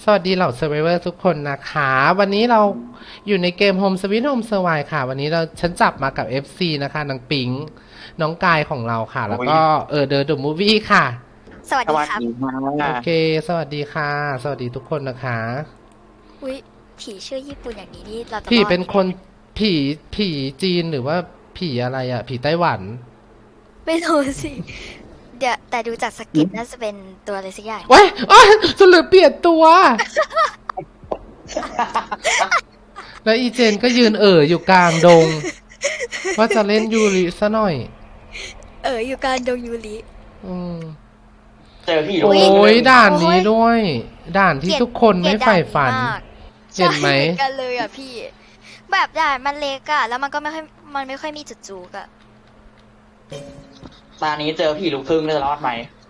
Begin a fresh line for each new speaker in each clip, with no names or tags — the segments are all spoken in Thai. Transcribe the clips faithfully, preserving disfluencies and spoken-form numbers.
สวัสดีเหล่าเซอร์ไ o เวอร์ทุกคนนะคะ วันนี้เราอยู่ในเกม Home Sweet Home Survive ค่ะ วันนี้เราฉันจับมากับ เอฟ ซี นะคะนางปิงน้องกายของเราค่ะ แล้วก็เออเดอะเดอะมูฟวี่ค่ะ
สวัส
ส
ดี
วัส
ครับ
ดีค่ะ
โอเค สวัสดีค่ะ สวัสดีทุกคนนะคะ
อุ้ยผีชื่อญี่ปุ่นอย่างนี้นี่เราจะ
ผี
รอด
เป็น
ไหม
คนผีผีจีนหรือว่าผีอะไรอ่ะ ผีไต้หวัน
ไม่รู้สิ เดี๋ยวแต่ดูจากสกิปน่าจะเป็นตัวอะไรสักอย่าง
ว้ายอ้ายสุดเหลือเปลี่ยนตัว แล้วอีเจนก็ยืนเอ่ออยู่กลางดง ว่าจะเล่นยูริซะหน่อย
เอออยู่กลารดงยูริ
อืม
เจอพี่
โอ้ยด่านนี้ด้วย ด่านที่ทุกคนไม่ใฝ่ฝัน
เห็
เห็
น
น
ไห
ไห
ม
ม
กันเลยอ่ะพี่ แบบด่านมันเล็กอะแล้วมันก็ไม่ค่อยมันไม่ค่อยมีจุดจูกอะ
ตอนนี้เจอพี่ลูกครึ่งจะรอดไหม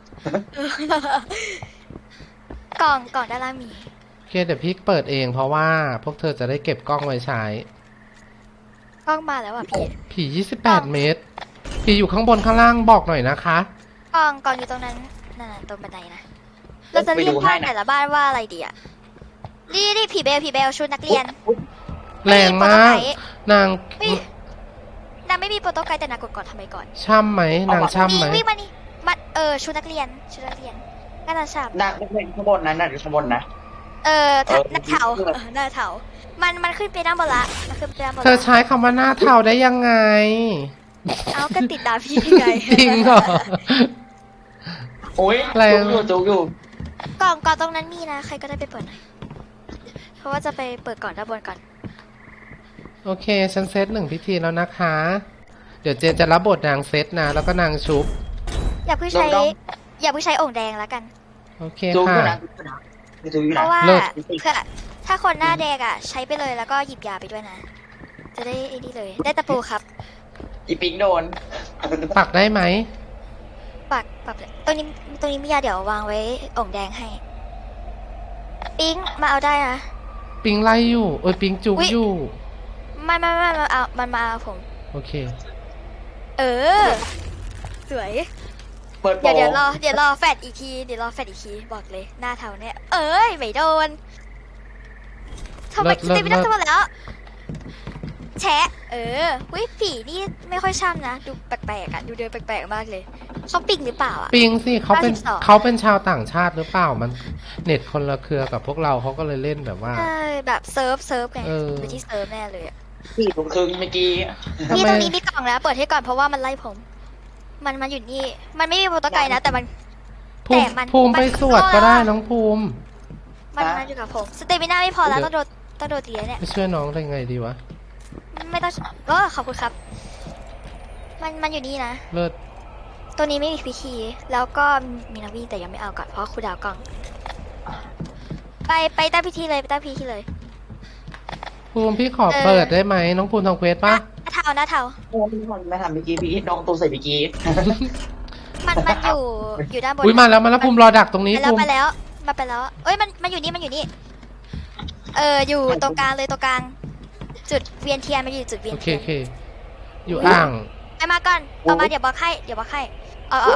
กล่องกล่องด้านล่างมี
โอเคเดี๋ยวพี่เปิดเองเพราะว่าพวกเธอจะได้เก็บกล้องไว้ใช้
กล้องมาแล้วอ่ะพี่
ผียี่สิบแปดเมตร ผีอยู่ข้างบนข้างล่างบอกหน่อยนะคะ
กล่องกล่องอยู่ตรงนั้นนั่นน่ะตรงบันไดนะเราจะเรียกบ้านแต่ละบ้านว่าอะไรดีอะนี่นี่ผีเบลผีเบลชุดนักเรียน
แรงมาก นาง
ไม่นางไม่มีโปรโตไกด์แต่นางกดก่อนทำไมก่อน
ช่ำไหมนางช่ำไหม
วิ่งวิ่งมานี่มาเออชุดนักเรียนชุดนักเรียนก็จะฉับ
นักนักเรียนข้างบนนั้นน่ะอยู่ข้างบนนะ
เออถ้า
เออ
หน้าเทาเออหน้าเทามันมันขึ้นไปด้านบนละมันขึ้นไปด้านบน
เธอ
ละ
ใช้คำว่าหน้าเทาได้ยังไง
เอาก็ติดตามพี่ไง
จริงเหรอ
โอ้ย
แรง
จุกอยู่จุกอยู่
กล่องกล่องตรงนั้นมีนะใครก็ได้ไปเปิดหน่อยเพราะว่าจะไปเปิดก่อนด้านบนก่อน
โอเค ฉันเซตหนึ่งพิธีแล้วนะคะ เดี๋ยวเจนจะรับบทนางเซตนะ แล้วก็นางชุบ
อย่าเพิ่งใช้อย่าเพิ่งใช้โอ่งแดงแล้วกัน
โอเค
จุกอยู่
ค่ะ
นะจุกอยู่นะจุกอยู่
เพ
นะ
ราะว่า
เลิศ
เพื่อถ้าคนหน้าแดงอ่ะ ใช้ไปเลยแล้วก็หยิบยาไปด้วยนะ จะได้ไอ้นี่เลย ได้ตะปูครับ
อีปิงโดน
ปักได้ไหม
ปักปักเลยตรงนี้ตรงนี้มียาเดี๋ยววางไว้โอ่งแดงให้ ปิ๊งมาเอาได้นะ
ปิงไล่อยู่ เอ้ยปิงจุก
อุ๊ย
อยู่
ไม่ไม่ไม่มาเอามันมาเอาผม
โอเค
เออ สวย
เปิดโป
เดี๋ยวเดี๋ยวรอเดี๋ยวรอแฟดอีกทีเดี๋ยวรอแฟดอีกทีบอกเลยหน้าเทาเนี่ยเอ้ยไม่โดนทำไม
เลิศ
ตีไม่ได้
เลิศ
ทั้งหมดแล้ว แชะ เออวิผีนี่ไม่ค่อยช่ำนะ ดูแปลกๆอ่ะ ดูเดินแปลกๆมากเลยเขาปิงหรือเปล่าอ่ะ
ปิงสิเขาเป็น
ห้าสิบสอง
เขาเป็นชาวต่างชาติหรือเปล่า มันเน็ตคนละเครือกับพวกเราเขาก็เลยเล่นแบบว่า
ใช่แบบเซิร์ฟเซิร์ฟไง
เออ
ไปที่เซิร์ฟแน่เลยอะ
พี่ลูกครึ่งเมื่อกี้
ทำไม
นี่ตรงนี้มีกล่องแล้วเปิดให้ก่อนเพราะว่ามันไล่ผม มันมันอยู่นี่ มันไม่มีโปรโตไกด์นะ แต่มัน
ภูมิ
แต่มัน
ภูมิ
มัน
ไปสวดก็ได้น้องภูมิ
มันมันอยู่กับผมสเตมิน่าไม่พอแล้วต้องโดนต้องโดนตีแล้วเนี่ย
ไปช่วยน้องได้ไงดีวะ
ไม่ต้องก็ขอบคุณครับ มันมันอยู่นี่นะ
เลิศ
ตัวนี้ไม่มีพิธี แล้วก็มีนาวีแต่ยังไม่เอาก่อนเพราะครูดาวกล่อง ไปไปตั้งพิธีเลยไปตั้งพิธีเลย
ภูมิพี่ขอ
เออ
เปิดได้ไหมน้องภูมิทำเควส
หน้า
ปะ
หน้าเทาหน้าเทา
โอ้ยมันไม่ทำเมื่อกี้พี่น้องตัวใส่เมื่อกี้
มันมันอยู่อยู่ด้านบน
อุ้ยมาแล้วมาแล้วภูมิรอดักตรงนี้
ไปแล้ว
ภูมิ
มาแล้วมาไปแล้ว เอ้ยมันมันอยู่นี่มันอยู่นี่ เอออยู่ตรงกลางเลยตรงกลาง จุดเวียนเทียนมันอยู่จุดเวีย
โอน เค
เทียน
โอเค อยู่อ่าง
ไปมาก่อนเอามาเดี๋ยวบอกให้เดี๋ยวบอกให้เอาเอาเอา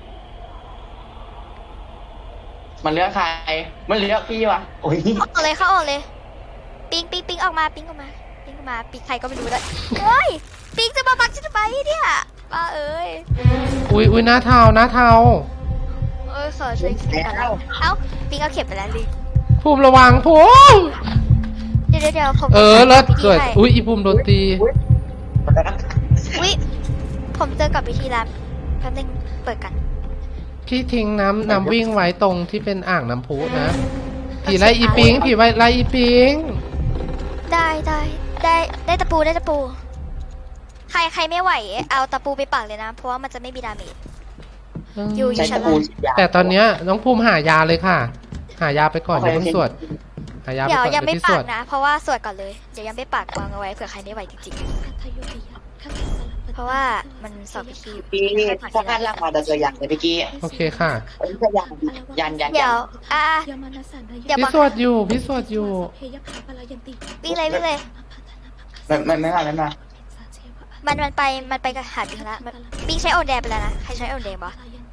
มันเลือกใคร มันเลือกพี่วะโอ้ย
ออกเลยเข้าออกเลย ปิงปิงปิงออกมาปิงออกมาปิงออกมาปิงใครก็ไม่รู้เลยเฮ้ยปิงจะมาบักฉันทำไมเนี่ยป้าเอ้ย
อุ้ยอุ้ยหน้าเทาหน้าเทา
เอ้ยขอช่วยปิงก่อนนะเอ้าปิงเอาเข็มไปแล้วลิง
ภูมิระวังภูมิ
เดี๋ยวเดี๋ยวเดี๋ยวผม
เออเลิศ
พิธี
เกิด
ให้
อุ้ยอีภูมิโดนตี
อุ้ยผมเจอกับพิธีแล้วแป๊บนึงเปิดกัน
พี่ทิ้งน้ำน้ำวิ่งไว้ตรงที่เป็นอ่างน้ำพุนะผีไล่อีปิงผีไว้ไล่อีปิง
ได้ได้ได้ได้ตะปูได้ตะปู ใครใครไม่ไหวเอาตะปูไปปักเลยนะ เพราะว่ามันจะไม่มีดาเมจ อยู่
ใช้ตะปูฉีดยา
แต่ตอนเนี้ยน้องภูมิหายาเลยค่ะ หายาไปก่อนอย่าเพิ่งสวดหายาไป
เดี๋ยว
ก่อน
ยังไม่
ที่
ปั
ส
ก
วด
นะ เพราะว่าสวดก่อนเลยเดี๋ยวยังไม่ปักวางเอาไว้เผื่อใครไม่ไหวจริงๆ เพราะว่ามันสอบพิธี
พี่ถ้าพลาดล่างมาจะเจออย่างเลยเมื่อกี้
โอเคค่ะ
เอ้ยจะยันยันยัน
เดี๋
ยั
ยวน อ่ะ เดี๋ยว
พี่
บอก
สวดอยู่พี่สวดอยู่
วิ่งเลยวิ่งเลย
ไม่ไม่ไม่มาไม่มา
มันมันไปมันไปกับหาปิงละมันปิงใช้โอนแดงไปแล้วนะใครใช้โอนแดงปะ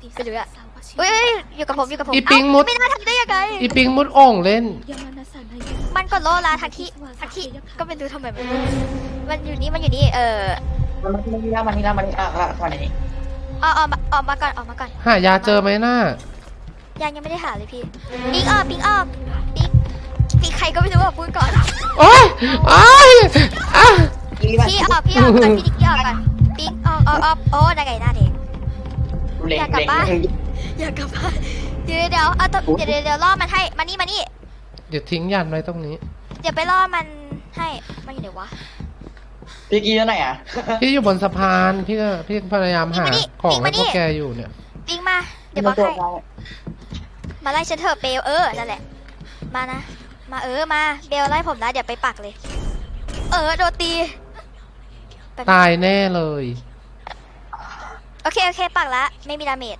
ไปดูอะเอ้ยอยู่กับผมอยู่กับผม
อีปิงมุด
เอ้าไม่น่าทำได้ยังไง
อีปิงมุดโอ่งเล่น
มันกดโลละทักที่ทักที่ก็ไม่รู้ทำไมมันมันอยู่นี่มันอยู่นี่เออ
มันมันนี่แล้วมันนี่แล้วมันนี่อ่ะอ่ะมาไหน
ออกออกมาออกมาก่อนออกมาก่อน
หายาเจอไหมน่า
ยังยังไม่ได้หาเลยพี่ปิงออกปิงออกปิงปิงใครก็ไม่รู้อ่ะพูดก่อน
โอ๊ยโอ๊ยอ่ะ
พี่ออกพี่ออกก่อนพี่ดิกกี้ออกก่อนปิงออกออกออกโอ้ได้ไงหน้าเด็ก
เล็ง
อยากกลับ
เล็ง
บ้าน อย่ากลับบ้านเดี๋ยวเดี๋ยวเอาตัวเดี๋ยวเดี๋ยวเดี๋ยวล่อมันให้มานี่มานี่
เดี๋ยวทิ้งยันไว้ตรงนี้
เดี๋ยวไปล่อมันให้มันอยู่ไหนวะ
พี่กี้ที่ไหนอ่ะ
พี่อยู่บนสะพาน พี่ก็พี่พยายามหา
นี่
ของ
มา
ให้
นี่
พวกแกอยู่เนี่ย
ปิงมาเดี๋ยวบอกให้มาไล่ฉันเถอะเบลเออนั่นแหละมานะมาเออมาเบลไล่ผมนะเดี๋ยวไปปักเลย เออโดนตีแป๊บนึง
ตายแน่เลย
โอเคโอเคปักละไม่มีดาเมจ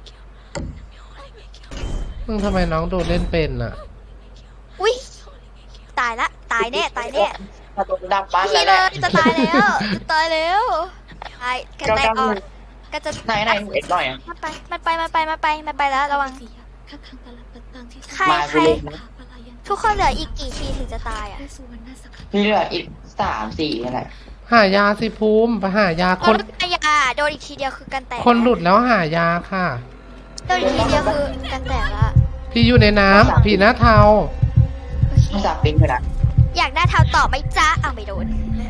มึงทำไมน้องโดนเล่นเป็นอ่ะ
อุ้ยตายละตายแน่ตายแน่
ถ้าตัวดับบ้าน
พี่
แล้ว
เล
แหละ
ยจะตายแล้วจะตายแล้วตายกันแตกออกก็จะ
ไหนไหนเอ็ดหน่อยอ่ะ
มันไปมันไปมันไปมันไปมันไปแล้วระวังใคร
มา
ใคร
กูเล็งนะ
ทุกคนเหลืออีกกี่ทีถึงจะตายอ่ะ
พี่เหลืออีกสามสี่นั่นแหละ
หายาสิภูมิไปหายา
ค
คน
นยาโดนอีกทีเดียวคือกันแตก
คนหลุดแล้วหายาค่ะ
โดนอีกทีเดียวคือกันแตกละ
พี่อยู่ในน้ำพี่หน้าเทา
โอเค
ต้องจับปิ้งเลยนะ
อยากได้เท้าต่อไหม่จ้าอ้าวไม่โดน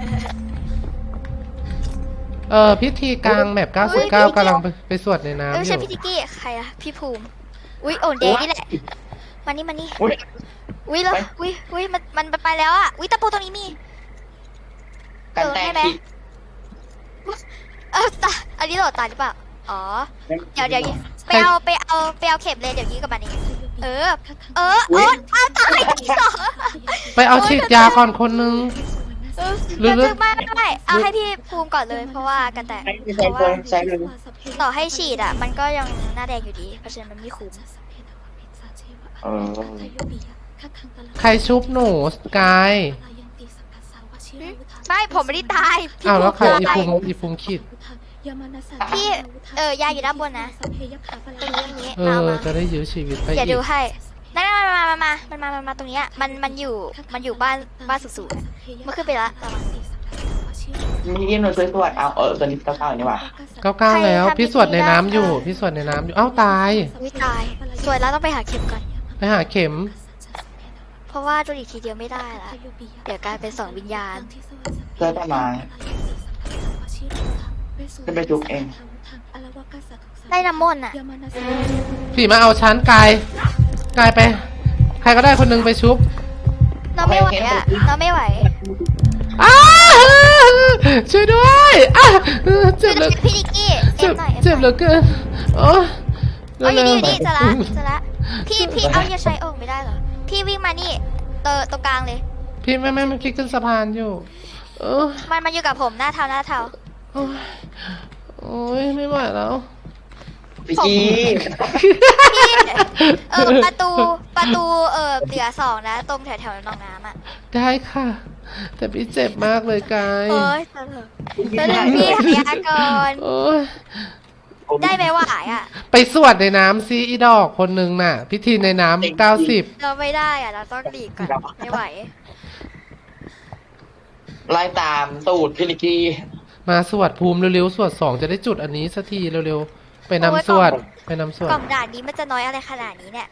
เออพิธีกลางแมปเก้าสิบเก้ากำลังไปไปสวดใน
เออ
น้ำอ
ใช่
ยู่
พี่ติกกี้ใครอะพี่ภูมิ อุ้ยโอนเดย์นี่แหละมานี่มานี่
อุ้ย
อุ้ยแล้ว
ไป
อุ้ยอุ้ยมันมันไปแล้วอะอุ้ยตะปูตรงนี้มี
กันแตก
เออให้ไหม
ที่
เออตาอันนี้โหลดตายหรือเปล่าอ๋อเดี๋ยวเดี๋ยวไปเอาไปเอาไปเอาเข็มเลยเดี๋ยวยื้อกับมันเองเออ เออเออเอาตายอีกสอง
ไปเอาฉีดยาก่อนคนนึง
เออ
หรือหรือ
ไม่ไม่ไม่เอาให้พี่ภูมิก่อนเลย เพราะว่ากันแต่
ใช้
เพ
ใช้
ราะ
เล
ว่าย
ใช้เลย
ต่อให้ฉีดอะมันก็ยังหน้าแดงอยู่ดี เพราะฉะนั้นมันไม่คุ้ม
เออ
ใครชุบหนูสกาย
ไม่ผมไม่ได้ตายพี่
อ้าวแล้วใคร
ภู
อี
มิตาย
ภูมิอีภูมิขีด
พี่เออยาอยู่ด้านบนนะตรงนี้อย่างนี้
เอ
เอา
อ
มา
จะได้ยื้อชีวิตไป
เดี๋ยว
อี
ดู
ก
ให้นั่นมามามามามันมามามาตรงเนี้ยมันมันอยู่มันอยู่บ้านบ้านสูงๆอะมันขึ้นไปละระวัง
มียื่นหนูช่วยตรวจเอาเออตัวนี้เก้าเก้านี่หว่า
เก้าเก้าแล้ว
ใครทำ
พี่สวดในน้ำ
พิธีได้
อยู่
ค่ะ
พี่สวดในน้ำอยู่เอ้าตาย
วิตายสวยแล้วต้องไปหาเข็มก่อน
ไปหาเข็ม
เพราะว่าโดนอีกทีเดียวไม่ได้ละเดี๋ยวกลายเป็นสองวิญญาณ
เพื่อจะมาจะไปจุกเอง
ได้น้ำมนต์อ่ะ
พี่มาเอาชั้นกายกายไป ใครก็ได้คนนึงไปชุบ
น้องไม่ไหวอ่ะน้องไม่ไหว
อ้าช่วยด้วยอ้าเจ็บเหลือ
พี่ดิกกี้เอ็
เจ็
ม
บ
หน่อย
เจ็บเหลือเกินโอ้
เอ๋ออยู่นี่อยู่นี่
เร็
จะ
ว
ละจะละพี่พี่เอาอย่าใช้โอ่งไม่ได้เหรอพี่วิ่งมานี่เตอตรงกลางเลย
ๆพี่ไม่ไม่ไม่คิดขึ้นสะพานอยู่เออ
มันมาอยู่กับผมหน้าเทาหน้าเทา
โอ้ยโอ้ยไม่ไหวแล้ว
พี่กี้
พี่เออประตูประตูเออเหลือสองนะ ตรงแถวแถวๆหนองน้ำอ่ะ
ได้ค่ะ แต่พี่เจ็บมากเลยกาย
โอ้ยเถอะเดี๋ยวพี่หายาก่อน
โอ้ย
ได้ไหมว่าหายอ่ะ
ไปสวดในน้ำซีอีดอกคนนึงน่ะ พิธีในน้ำเก้าสิบ
เราไม่ได้อ่ะ เราต้องหลีกก่อนไม่ไหว
ไล่ตามตูดพี่นิกกี้
มาสวดภูมิเร็วๆสวดสองจะได้จุดอันนี้สักทีเร็วๆ ไปนำสวดไปนำสวด
กล่องด่านนี้มันจะน้อยอะไรขนาดนี้เนี่ย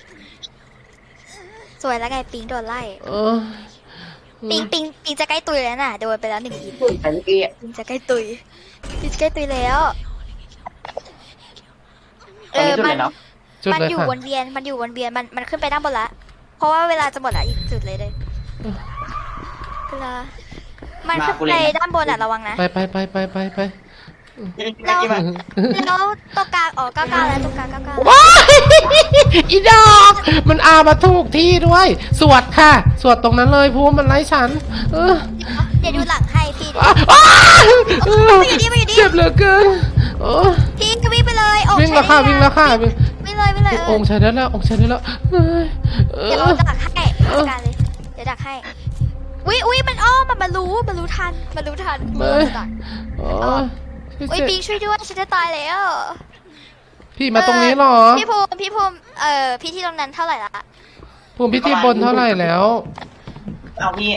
สวยแล้วไงปิงโดนไล่
เออ
ปิงปิงปิงจะใกล้ตุยแล้วน่ะ โดนไปแล้วหนึ่งที
ไอ้นิกกี้
ปิงจะใกล้ตุยปิงจะใกล้ตุยแล้ว
ตอนนี้จุดไหนเนาะ
จุด
มัน
เลย
อยู่
ค่ะ
วนเวียน มันอยู่วนเวียน มันมันขึ้นไปด้านบนละ เพราะว่าเวลาจะหมดละอีกจุดเลยเลยเวลา มันขึ้นไปด้านบนอ่ะระวังนะ
ไปไปไปไปไปไป
พี่นิก
แล้ว
กี้มา
แล้วตรงกลางอ๋อเก้าเก้าแล้วตรงกลางเก้าเก้า
ว้าย อีดอก มันอามาถูกที่ด้วย สวดค่ะ สวดตรงนั้นเลยภูมิมันไล่ฉัน เออ
เดี๋ยวดูหลังให้พี่
อ้าอ้าเออ
มาอยู่นี่มาอยู่นี่
เจ็บเหลือเกินโอ้
พี่ก็วิ่งไปเลยโอ้
วิ่งแล้วค่ะวิ่งแล้วค่ะวิ่ง
วิ่งเลยวิ่งเลยเอ
อ
อง
ค์ใช้ได้แล้วองค์ใช้ได้แล้วเอ้ยเอ
เดี๋ยว
อ
เราดักให้จัดการเลย เดี๋ยวดักให้ อุ้ยอุ้ยมันอ้อมมันมารู้มันรู้ทันมันรู้ทัน
เอ้
มื
ย
อดัก
โอ้ย
อุ้ย
เจ็บ
ปิงช่วยด้วยฉันจะตายแล้ว
พี่มาตรงนี้เหรอ
พี่ภูมิพี่ภูมิเอ่อพี่ที่ตรงนั้นเท่าไหร่ละ
ภูมิพิธีบนเท่าไหร่แล้ว
เอาพี่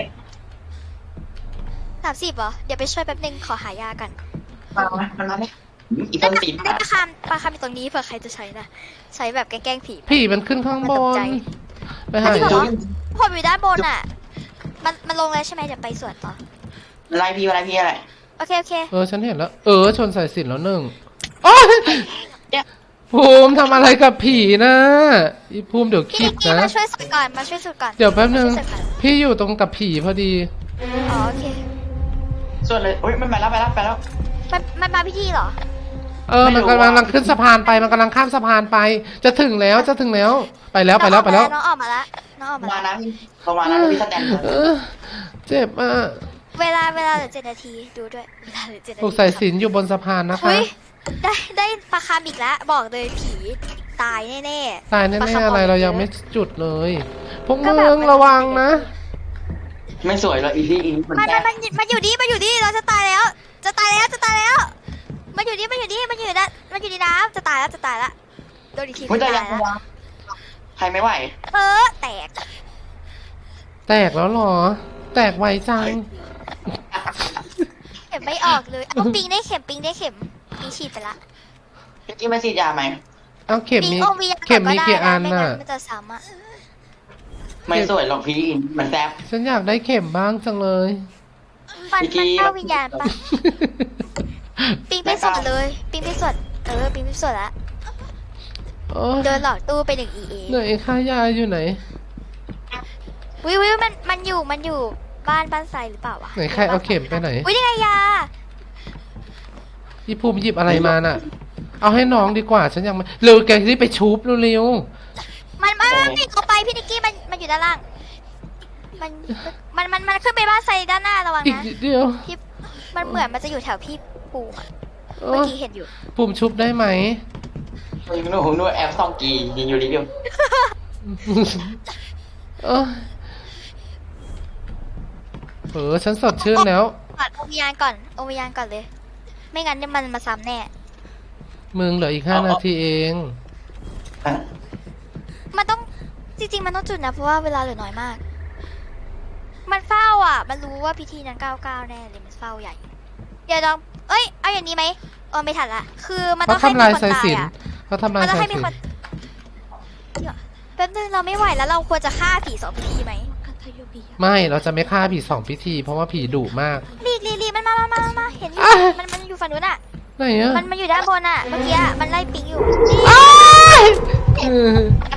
สามสิบเหรอเดี๋ยวไปช่วยแป๊บนึงขอหายากัน
มามามันมาไหมอี
ได้
ต้น
ปะ
สี
ได้ปลาคามปลาคามอยู่ตรงนี้เผื่อใครจะใช้นะใช้แบบแกล้งๆผี
ผีมันขึ้นข้างบ
มันตก
น
ใจ
ไปหา
จริงเหร
ยา
อ ผมอยู่ด้านบนอ่ะ มันมันลงแล้วใช่ไหมเดี๋ยวไปสวนต่อ
อะไรพี่อะไรพี่อะไร
โอเคโอเค
เออฉันเห็นแล้ว เออชนสายสิญจนแล้วหนึ่งโอ๊ย
เนี่ย
ภูมิทำอะไรกับผีนะอีภูมิเดี๋ยว
พี่
คิ
นิ
ด
กกี้
นะ
มาช่วยสุดก่อนมาช่วยสุดก่อน
เดี๋ยวแป๊บนึง
มาช่วยสุดก่อน
พี่อยู่ตรงกับผีพอดี
อ๋อโอเค
ส่วนเลยอุ้ยมันไปแล้วไปแล้วไปแล้ว
มันมันมาพิธีเหรอ
เออ มันกำลังขึ้นสะพานไป มันกำลังข้ามสะพานไป จะถึงแล้ว จะถึงแล้ว ไปแล้ว ไปแล้ว ไปแล้ว
น้องออกมาแล้วน้องออกมา
มา
แล้ว
นะพี่ประมาณนั้นพี่สแตน
เออ เจ็บอ่ะ
เวลาเวลาเหลือเจ็ดนาทีดูด้วยเวลาเหลือเจ็ดนา
ผู
ที
กสายสิญจนอยู่บนสะพานนะคะ
เฮ้ยได้ได้ปลาคาร์มอีกแล้วบอกเลยผีตายแน่ๆ
ตายแน่
ปลค
ๆ
ร์ม
อะไร
บก
เรา
ล
ยังไม่จุดเลย พวก
ก็
มึ
แบบ
ง
มัน
ระวังนะ
ไม่สวยเลยอีที่อีนี่มัน
มัน
แซ่
มัน
บ
มันมันอยู่ดีมันอยู่ดีเราจะตายแล้ว จะตายแล้วจะตายแล้ว มันอยู่ดีมันอยู่ดีมันอยู่ในมันอยู่ในน้ำจะตายแล้วจะตายแล้วโดนอีกที
ไม่ได้
ตาย
ยัง
แล้ว
วะใครไม่ไหว
เออแตก
แตกแล้วเหรอ แตกไวจัง
เข็มไม่ออกเลยเอาปิงได้เข็มปิงได้เข็มปิงฉีดไปละ
พี่กี้มาฉีดยาไหม
เอาเข็ม
ปิง
มี
โอวี
เข็มมีกี่อัน
ไม่
น่ะ
งั้นมันจะซ้ำอ่ะ
ไม่สวยหรอกพี่อินมันแซ่บ
ฉันอยากได้เข็มบ้างจังเลย
มัน
อีกที
มันเข้าวิญญาณปะปิงไปสวดเลยปิงไปสวดเออปิงไปสวดละ
โอ้ย
เดินหลอกตู้ไปหนึ่ง อี เอ
ไหนค่ายาอยู่ไหน
วิววิวมันมันอยู่มันอยู่บ้านบ้านไซหรือเปล่าวะ
ไหนใครเอาเข็มไปไหน
วินี่ไงยา
พี่ภูมิหยิบอะไรมาน่ะ เอาให้น้องดีกว่า ฉันยังไม่เร็วแกที่ไปชุบเร็ว
มันมันมันปิดเข้าไปพี่นิกกี้มันมันอยู่ด้านล่าง มันมันมันมันขึ้นไปบ้านไซด้านหน้าระวัง
ๆอีก
นะ
นิดเดียว
พี่มันเหมือนมันจะอยู่แถวพี่ปูอะ
เอ
เมื่อ
อ
กี้เห็นอยู่
ภูมิชุบได้ไหม
ยิงนู่นนู่นแอปซองกียิงอยู่รีวิว
เออเออฉันสดชื่นแล้ว
ก่อนโอวิญญาณก่อนโอวิญญาณก่อนเลย ไม่งั้นเนี่ยมันมาซ้ำแน่
มึงเหลืออีกห้านาทีเอง
มันต้องจริงๆมันต้องจุดนะเพราะว่าเวลาเหลือน้อยมาก มันเฝ้าอ่ะ มันรู้ว่าพิธีนั้นเก้าเก้าแน่เลยมันเฝ้าใหญ่เดี๋ยวลองเอ้ยเอาอย่างนี้ไหมเออไม่ทันละคือมัน
เขา
ต้องให้
ทำ
มี
ลาย
คน
สาย
ตาย
สิญจ
อ่ะ
นเขาทำลาย
มันต้อง
สาย
ให้มี
สิญ
ค
จ
นเดี๋ยวแป๊บนึงเราไม่ไหวแล้วเราควรจะฆ่าผีสองพิธีไหม
ไม่เราจะไม่ฆ่าผีสองพิธี เพราะว่าผีดุมาก
รีบรีบรีบมันมามามามามาเห็นอยู่
อ่ะ
มันมันอยู่ฝั่งนู้นอ่ะ
ไหนอะ
มันมันอยู่ด้านบนอ่ะ เมื่อกี้อะมันไล่ปิงอยู่
อ้ายเออ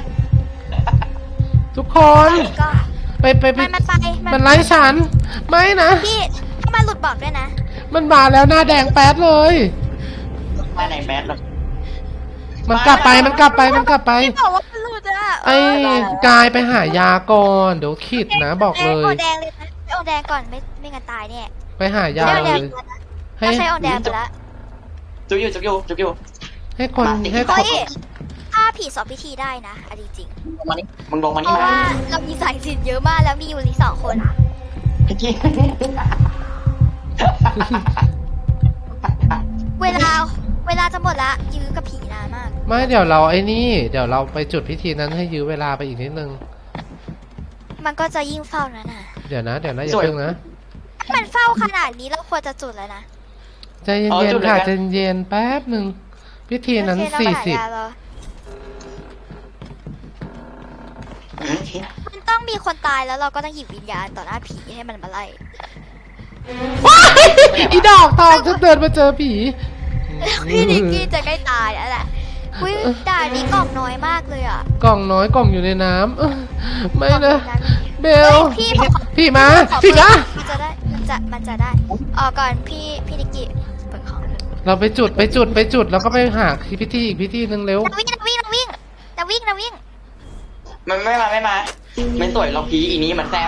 ทุกคน
ก็
ไปไปไป
มันมันไป
มันไล่ฉัน ไม่นะ
พี่ถ้ามันหลุดบอกด้วยนะ
มันมาแล้วหน้าแดงแป๊ดเลย
มาไหนแมสหรอ
มันกลับไปมันกลับไปมันกลับไป
พี่บอกว่ามันหลุดอ่ะ
ไอ้กายไปหายาก่อนเดี๋ยวขิดนะบอกเล
โอย
ย
แดงเลยนะไปโอแดงก่อนไม่ไม่งั้นตายเนี่ย
ไปหายา
ใช้โอ
เล
แดง
ย
ไปแล้วนะ
ให้
ถ้าใช้โอแดงไปแล้ว
จุ๊บอยู่จุ๊บอยู่จุ๊บอยู่
ให้คน
มาสิ
ให้ค
เฮ้
น
ยถ้าผีสอบพิธีได้นะอันจริง
ลงมานี่มึงลงมา
เพ
นี่
ราะ
มา
ว่าเรามีสายสิญจนเยอะมากแล้วมีอยู่ที่สองคน
พี่กี้
เวลาเวลาจะหมดละยื้อกับผีนานมาก
ไม่เดี๋ยวเราไอ้นี่เดี๋ยวเราไปจุดพิธีนั้นให้ยื้อเวลาไปอีกนิดนึง
มันก็จะยิ่งเฝ้านะน่ะ
เดี๋ยวนะเดี๋ยวนะอย่าเพิ่งนะ
ถ้ามันเฝ้าขนาดนี้เราควรจะจุดแล้วนะ
ใจเย็นๆค่ะใจเย็นๆแป๊บหนึ่งพิธีนั้น
โอเคเรา
สี่
หา
สิบ
ยาเหรอมันต้องมีคนตายแล้วเราก็ต้องหยิบวิญญาณต่อหน้าผีให้มันมาไล่
อีดอกทองฉันเดินมาเจอผี
พี่นิกกี้จะใกล้ตายแล้วแหละอุ้ยด่านนี้กล่องน้อยมากเลยอ่ะ
กล่องน้อยกล่องอยู่ในน้ำเอ้ยไม่นะเบ
เฮ้
ล
ยพี่ผมขอ
พี่มา
ขอ
พี่มา
มันจะได้มันจะมันจะได้ออกก่อนพี่พี่นิกกี้เปิดของ
เราไปจุดไปจุดไปจุดแล้วก็ไปหาพิธีอีกพิธีหนึ่งเร็ว
นาวิ่งนาวิ่งนาวิ่งนาวิ่งนาวิ่ง
มันไม่มาไม่มา ไม่สวยหรอกพี่อีนี้มันแซ่บ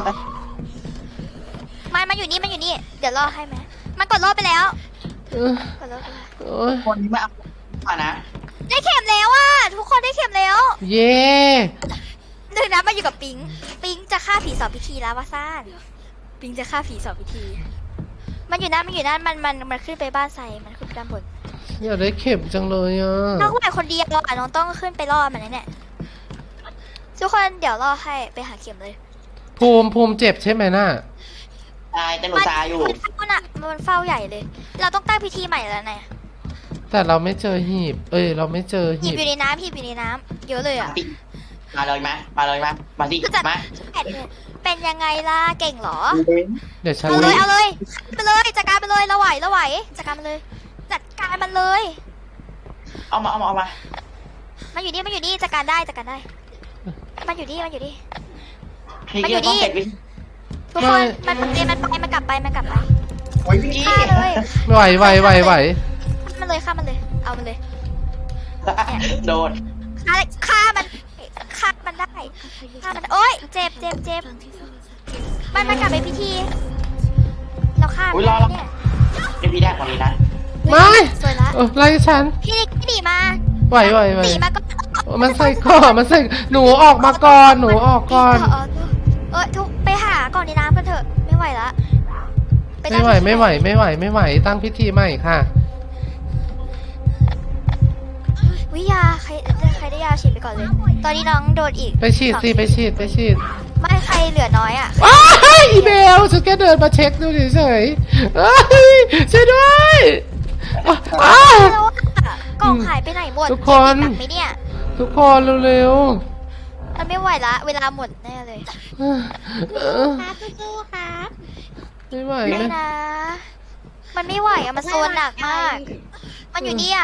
มันมันอยู่นี่มันอยู่นี่เดี๋ยวรอให้ไหมมันกดรอบไปแล้ว
เออก
ดรอบไปแล้ว
โอ้ย
คนนี้ไม่เอาผ่านะ
ได้เข็มแล้วอ่ะทุกคนได้เข็มแล้ว
เย่
หนึ่งนะมาอยู่กับปิงปิงจะฆ่าผีสองพิธีแล้วว่าซ่านปิงจะฆ่าผีสองพิธี มันอยู่นั่นมันอยู่นั่นมันมันมันขึ้นไปบ้านไซมันขึ้นไปด้านบน
อยากได้เข็มจังเลยอ่ะ
น้องไหวคนเดียวอ่ะน้องต้องขึ้นไปล่อมันนะเนี่ยทุกคนเดี๋ยวล่อให้ไปหาเข็มเลย
ภูมิภูมิเจ็บใช่ไหมน่ะ
ตายแต่หนูตายอยู่
มันเฝ้าน่ะมันเฝ้าใหญ่เลย เราต้องตั้งพิธีใหม่แล้วนะ
แต่เราไม่เจอหีบ เอ้ยเราไม่เจอ
หี
หี
บบ อยู่ในน้ำหีบอยู่ในน้ำเยอะเลยอ่ะ
มาเลยมามาเลยมามาสิ
ก็จะ
มา
เป็นยังไงล่ะเก่งเหรอ
เดี๋ยวฉัน
เอาเลยเอาเลยไปเลยจัดการไปเลยเราไหวเราไหวจัดการมันเลย จัดการมันเลย
เอามาเอามาเอามา
มันอยู่นี่มันอยู่นี่จัดการได้จัดการได้ มันอยู่นี่มันอยู่นี่
พี่
มันอยู่
กี้ต้อง
นี่
เสร็จวิ
ทุกคนมันเรียนมันไปมันกลับไปมันกลับไป
โอ้ยพี่กี้
ฆ่าเลย
ไหวไหวไหวไหว
ฆ่ามันเลยฆ่ามันเลย เอามันเลย
โดน
ฆ่าเลยฆ่ามันฆ่ามันได้ฆ่ามันโอ๊ยเจ็บเจ็บเจ็บมันมันกลับไปพิธี เราฆ่ามันได้เนี่ย
นี่พี่ได้คนนี้นะ
ไม่
สวยละ
เออไล่ฉัน
พี่พี่หนีมา
ไหวไหวไหว
หนีมาก็
มันใส่ก่อนมันใส่หนูออกมาก่อนหนูออกก่อน
เเออทุกไปหาก่อนในน้ำกันเถอะไม่ไหวละป
ไม่ไหวไม่ไหวไม่ไหวไม่ไหวตั้งพิธีใหม่ค่ะ
วิยาใครใครได้ยาฉีดไปก่อนเลย ตอนนี้น้องโดนอีก
ไปฉีดสิไปฉีดไปฉีด
ไม่ใครเหลือน้อยอ่ะ
อ้ายอีเบลฉันแค่เดินมาเช็คดูเฉยๆเอ้ยช่วยด้วยอ้าว
แล้วอะกล่องหายไปไหนหมด
ทุกคน
เก็บอีกไหมเนี่ย
ทุกคนเร็ว
มันไม่ไหวละเวลาหมดแน่เลย
ๆเออเออ
ครับสู้ๆครับ
ไม่ไหว
ไม่
เลย
นะ มันไม่ไหวอะมันโซนหนักมาก มันอยู่เนี่ย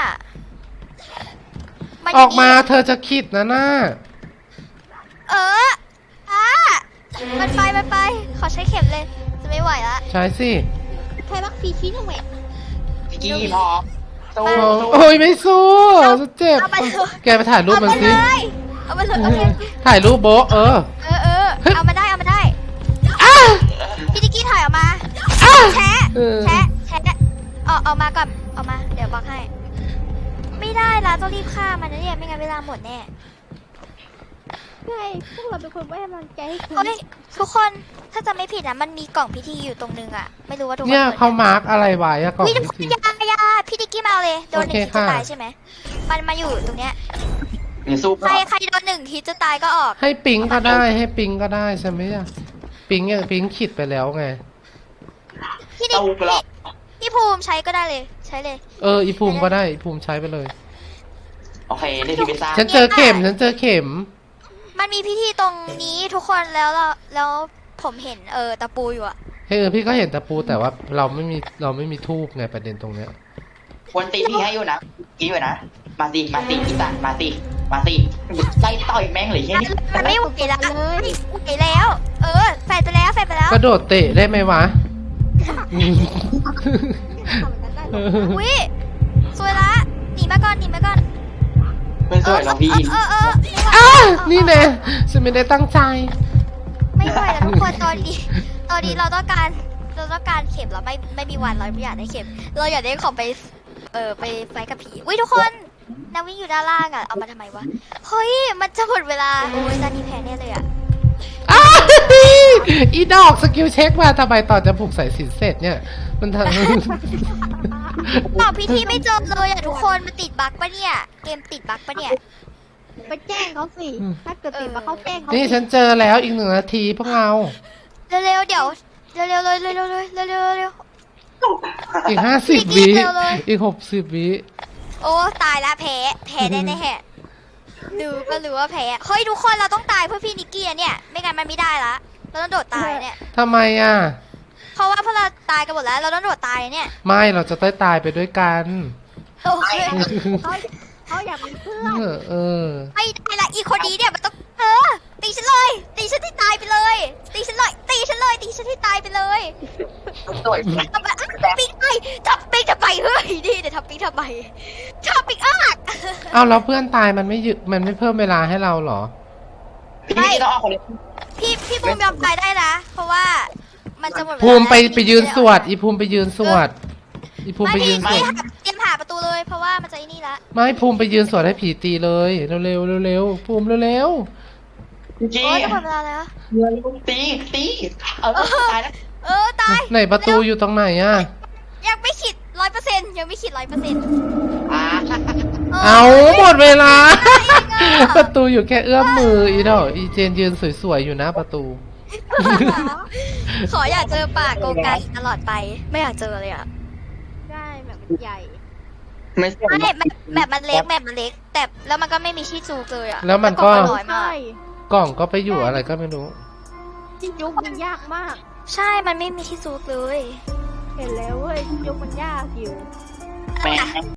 น
อ
ยู่
อกมา
นี่
เธอจะคิดนะน่า
เอออ่ะมันไปมันไป ขอใช้เข็มเลย จะไม่ไหวละ
ใช่สิ
ใครรักฟรีชิ้นหนึ่งแหวก
พี่กี้พอสู้
โอ้
สู้
โอ้ยไม่สู้ฉันเจ็บ
เอาไปเถอะ
แกไปถ่ายรูป
เอา
มัน
มา
สิ
เลยเอามาเลยโอเค
ถ่ายรูปโบะเออ
เออเออเอามาได้เอามาได้
อ้า
พี่ดิกกี้ถอยออกมา
อ้า
แชะ
เออ
แชะแชะเอาเอามาก่อนเอามา เดี๋ยวบอกให้ ไม่ได้ละต้องรีบฆ่ามันนะเนี่ยไม่งั้นเวลาหมดแน่
ใช่พวกเราเป็นคนไว้กำลังใจให้คุณ
เฮ้ยทุกคนถ้าจะไม่ผิดนะมันมีกล่องพิธีอยู่ตรงนึงอะไม่รู้ว่าทุกคน
เนี่ย
ปิด
เขามาร์กอะไรไว้อะก่อน
วิ
พิธี
ยายาพี่ดิกกี้มาเอาเลยโดนหนึ่ง
โอเค
ทีจะ
ค่ะ
ตายใช่ไหมมันมาอยู่ตรงเนี้ย
หรือสู้
ใครใครโดนหนึ่งทีจะตายก็ออก
ให้ปิงก็ได้ให้ปิงก็ได้ใช่ไหมอะปิงเนี่ยปิงขิดไปแล้วไง
พี่ดิก
สู้กันแล้ว
พี่ภูมิใช้ก็ได้เลยใช้เลย
เอออีภูมิก็ได้อีภูมิใช้ไปเลย
โอเคได้ที่ไปสร้าง
ฉันเจอเข็มฉันเจอเข็ม
มันมีพิธีตรงนี้ทุกคนแล้วเราแล้วผมเห็นเออตะปูอยู่อะ
เฮ้ยเออพี่ก็เห็นตะปูแต่ว่าเราไม่มีเราไม่มีทูบไงประเด็นตรงเนี้ย
ควรตีพี่ให้อยู่นะกี้อยู่นะมาสิมาสิพี่ตันมาสิมาสิไล่ต่อยแม่งเลยเฮ้ย
มันไม่ไหวแล้วไม่ไหวแล้ว เออแฟนไปแล้วแฟนไปแล้ว
กระโดดเตะได้ไหมวะอืม
ทำเหมือนกันได้หร
เอ
อ
อ
อุ้ยสวยละหนีมาก่อนหนีมาก่อน
ไม่สวยหรอกพี่
เออเออเออ
อ้านี่แน่ฉันไม่ได้ตั้งใจ
ไม่ไหวแล้วทุกคนตอนนี้ตอนนี้เราต้องการเราต้องการเข็มเราไม่ไม่มีวันเราไม่อยากได้เข็ม เราอยากได้ของไปเออไปไฟกับผีอุ้ยทุกคนนาวิ่งอยู่ด้านล่างอ่ะเอามาทำไมวะเฮ้ยมันจะหมดเวลาโอ้ยตอนนี้แพ้แน่เลยอ่ะ
อ้าอีดอกสกิลเช็คมาทำไมต่อจะผูกสายสินเสร็จเนี่ย มันท
ตอบพิธีไม่เจอเลยอ่ะทุกคนมันติดบั๊กปะเนี่ยเกมติดบั๊กปะเนี่ย
ไปแจ้งเขาสิ ถ้าเกิดติดมาเขาแจ้งเขา
ำนี่ฉันเจอแล้วอีกหนึ่งนาทีพวกเรา
เร็วๆเดี๋ยวเร็วๆเลยเร็วๆเลยเร็วๆเร็ว
อีกห้าสิบ
อี
วิ
กนิดเดียวเลย
อีกหกสิบวิ
ๆโอ้ตายละแพ้แพ้แน่ๆแฮะดูก็รู้ว่าแพ้เฮ้ยทุกคนเราต้องตายเพื่อพี่นิกกี้อะเนี่ยไม่งั้นมันไม่ได้ละเราต้องโดดตายเนี่ย
ทำไมอ่ะ
เพราะว่าพวกเราตายกันหมดแล้วเราต้องโดดตายเนี่ย
ไม่เราจะได้ตายไปด้วยกัน
โอเค
เขาเขาอยากมีเพื่อน
เออเออ
ไม่ได้ละอีคนนี้เนี่ยมันต้องเออตีฉันเลยตีฉันให้ตายไปเลยตีฉันเลยตีฉันเลยตีฉันให้ตายไปเลย
สวย
ทำไมอ่ะปิ๊กไปทับปิ๊กทำไมเฮ้ยนี่เดี๋ยวทับปิ๊กทำไมทับปิ๊กอ้าก
เอาแล้วเพื่อนตายมันไม่ยึมันไม่เพิ่มเวลาให้เราเหรอ
พี่กี้ต้องเอาคนนี้
พี่พี่บูมยอมตายได้นะ เพราะว่ามันจะหมดเวลา
ภูมิไป
แล้ว
ไปยืนสวด อีภูมิไปยืนสวด อีภูมิ
ไม่
ไปยื
พี่
นสว
พี่
ด
หาเตรียมหาประตูเลย เพราะว่ามันจะไอ้นี่ละ
ไม่ภูมิไปยืนสวดให้ผีตีเลยเร็วเร็วเร็วเร็วภูมิเร็วเร็ว
พี่กี้
โอ้ยจะหมดเวลาแล้ว
ตีตีเออตายแล้ว
เออตาย
ไหนประตูอยู่ตรงไหนอ่ะ
ยังไม่ขิดร้อยเปอร์เซ็นนต์ยังไม่ขีดร้อยเปอร์เซ็นต์
อ่า
เอาหมดเวลา ประตูอยู่แค่เอื้อมมืออีดอกอีเจนยืนสวยๆอยู่หน้าประตู
ขออยากเจอป่าโกไกตลอดไป ไม่อยากเจอเลยอ่ะ
ได้แบบมันใหญ่
ไม่ใช่
ไม่แบบแบบมันเล็กแบบมันเล็ก แต่แล้วมันก็ไม่มีที่จูกเลยอ่ะ
แล้วมันก็
ล่องน้อยมา
ใช่
ก
กล่องก็ไปอยู่อะไรก็ไม่รู้
ที่ยุกมันยากมาก
ใช่มันไม่มีที่จูกเลย
เห็นแล้วเว้ยที่ยุกมันยากอยู่
แม่